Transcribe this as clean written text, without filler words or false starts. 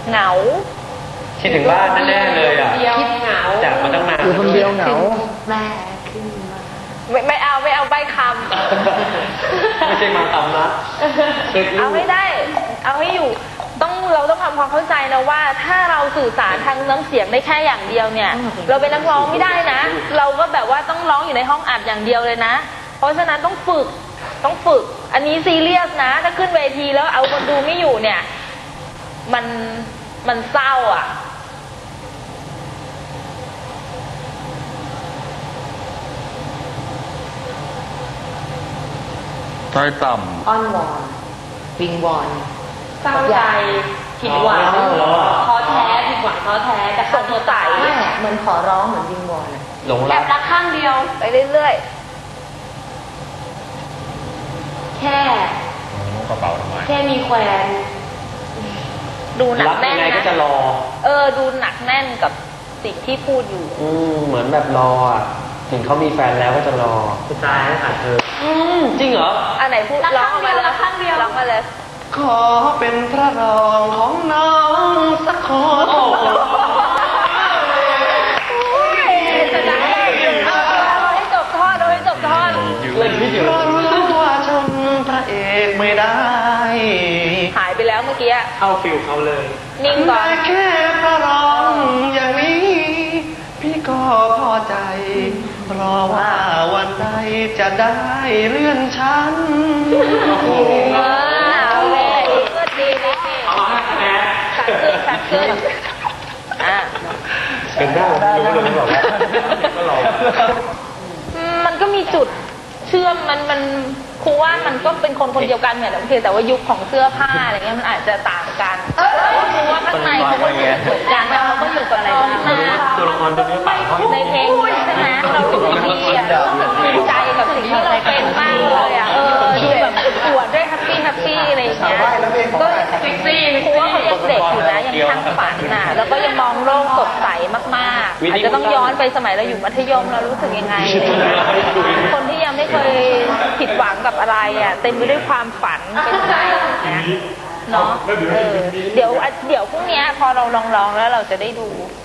เหงาคิดถึงบ้านแน่ๆเลยอ่ะคิดเหงาจากมาตั้งนานอยู่คนเดียวเหงาแม่ขึ้นมาไม่เอาใบคำไม่ใช่มาคำนะเอาให้ได้เอาให้อยู่เราต้องทำความเข้าใจนะว่าถ้าเราสื่อสารทางน้ำเสียงได้แค่อย่างเดียวเนี่ยเราเป็นนักร้องไม่ได้นะเราก็แบบว่าต้องร้องอยู่ในห้องอัดอย่างเดียวเลยนะเพราะฉะนั้นต้องฝึกอันนี้ซีเรียสนะถ้าขึ้นเวทีแล้วเอาคนดูไม่อยู่เนี่ยมันเศร้าอ่ะใจต่ำอ้อนวอนวิงวอนเศร้าใจผิดหวังท้อแท้ผิดหวังท้อแท้แต่สงสัยเหมือนขอร้องเหมือนวิงวอนหลงรักข้างเดียวไปเรื่อยๆแค่กระเป๋าทำไมแค่มีแควนดูหนักแน่นนะก็จะรอดูหนักแน่นกับสิ่งที่พูดอยู่เหมือนแบบรออ่ะถึงเขามีแฟนแล้วก็จะรอสุดท้ายหาเธอจริงเหรออันไหนพูดร้องมาเลยข้างเดียวร้องมาเลยขอเป็นพระรองของน้องสักคนจะได้ให้จบทอดให้จบทอดเลยพี่เดียวรู้ว่าชมพระเอกไม่ได้หายไปแล้วเมื่อกี้เข้าฟิลเขาเลยนิ่งก่อนแค่พระรองอย่างนี้พี่ก็พอใจรอว่าวันใดจะได้เลื่อนชั้นโอ้โหดีสักขึ้นเป็นได้รู้เลยบอกว่าก็รอมันก็มีจุดเชื่อมมันครูว่ามันก็เป็นคนเดียวกันเนี่ยแต่ว่ายุคของเสื้อผ้าอะไรเงี้ยมันอาจจะต่างกันครูว่าข้างในเขาก็เหมือนกันเราก็อยู่กับอะไรบ้างตัวละครตัวนี้ในเพลงใช่ไหมเราดูดีอ่ะภูมิใจกับสิ่งที่เราเป็นมากเลยอ่ะดูแบบอวดด้วยแฮปปี้อะไรอย่างเงี้ยก็เซ็กซี่ครูว่าเขายังเด็กอยู่นะยังทั้งฝันน่ะแล้วก็ยังมองโลกสดใสมากๆอาจจะต้องย้อนไปสมัยเราอยู่มัธยมเรารู้สึกยังไงคนที่ยังไม่เคยผิดหวังกับอะไรอ่ะเต็มไปด้วยความฝันเป็นใจนะเนาะเดี๋ยวพรุ่งนี้พอเราลองแล้วเราจะได้ดู